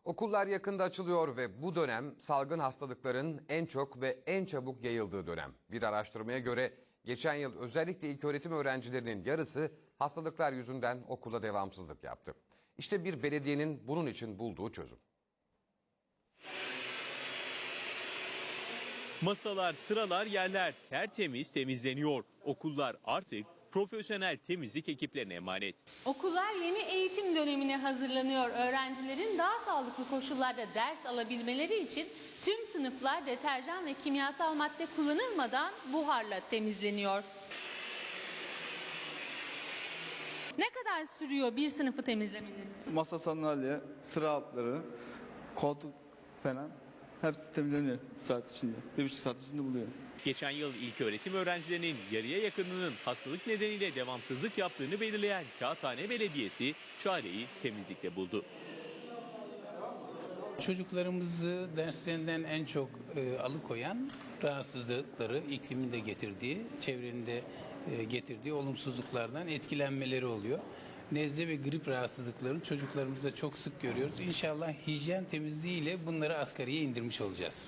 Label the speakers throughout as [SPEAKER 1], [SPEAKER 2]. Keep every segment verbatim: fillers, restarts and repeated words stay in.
[SPEAKER 1] Okullar yakında açılıyor ve bu dönem salgın hastalıkların en çok ve en çabuk yayıldığı dönem. Bir araştırmaya göre geçen yıl özellikle ilköğretim öğrencilerinin yarısı hastalıklar yüzünden okula devamsızlık yaptı. İşte bir belediyenin bunun için bulduğu çözüm.
[SPEAKER 2] Masalar, sıralar, yerler tertemiz temizleniyor. Okullar artık profesyonel temizlik ekiplerine emanet.
[SPEAKER 3] Okullar yeni eğitim dönemine hazırlanıyor. Öğrencilerin daha sağlıklı koşullarda ders alabilmeleri için tüm sınıflar deterjan ve kimyasal madde kullanılmadan buharla temizleniyor. Ne kadar sürüyor bir sınıfı temizlemeniz?
[SPEAKER 4] Masa, sandalye, sıra altları, koltuk falan hepsi temizleniyor bir saat içinde. Bir buçuk saat içinde buluyor.
[SPEAKER 2] Geçen yıl ilköğretim öğrencilerinin yarıya yakınının hastalık nedeniyle devamsızlık yaptığını belirleyen Kağıthane Belediyesi çareyi temizlikte buldu.
[SPEAKER 5] Çocuklarımızı derslerinden en çok e, alıkoyan rahatsızlıkları, iklimin de getirdiği, çevrenin de e, getirdiği olumsuzluklardan etkilenmeleri oluyor. Nezle ve grip rahatsızlıklarını çocuklarımızda çok sık görüyoruz. İnşallah hijyen temizliği ile bunları asgariye indirmiş olacağız.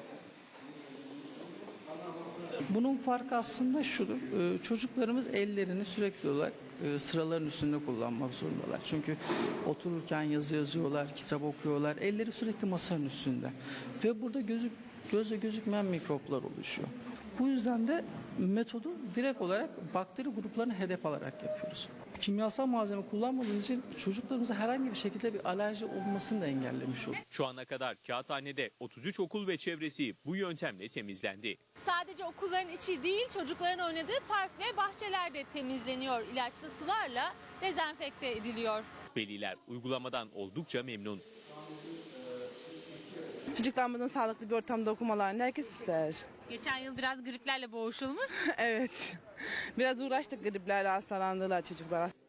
[SPEAKER 6] Bunun farkı aslında şudur. Çocuklarımız ellerini sürekli olarak sıraların üstünde kullanmak zorundalar. Çünkü otururken yazı yazıyorlar, kitap okuyorlar. Elleri sürekli masanın üstünde. Ve burada gözük, gözle gözükmeyen mikroplar oluşuyor. Bu yüzden de metodu direkt olarak bakteri gruplarını hedef alarak yapıyoruz. Kimyasal malzeme kullanmadığımız için çocuklarımıza herhangi bir şekilde bir alerji olmasını da engellemiş oluyor.
[SPEAKER 2] Şu ana kadar Kağıthane'de otuz üç okul ve çevresi bu yöntemle temizlendi.
[SPEAKER 3] Sadece okulların içi değil, çocukların oynadığı park ve bahçeler de temizleniyor. İlaçlı sularla dezenfekte ediliyor.
[SPEAKER 2] Veliler uygulamadan oldukça memnun.
[SPEAKER 7] Çocuklarımızın sağlıklı bir ortamda okumalarını herkes ister.
[SPEAKER 3] Geçen yıl biraz griplerle boğuşulmuş.
[SPEAKER 7] Evet. Biraz uğraştık griplerle, hastalandılar çocuklar.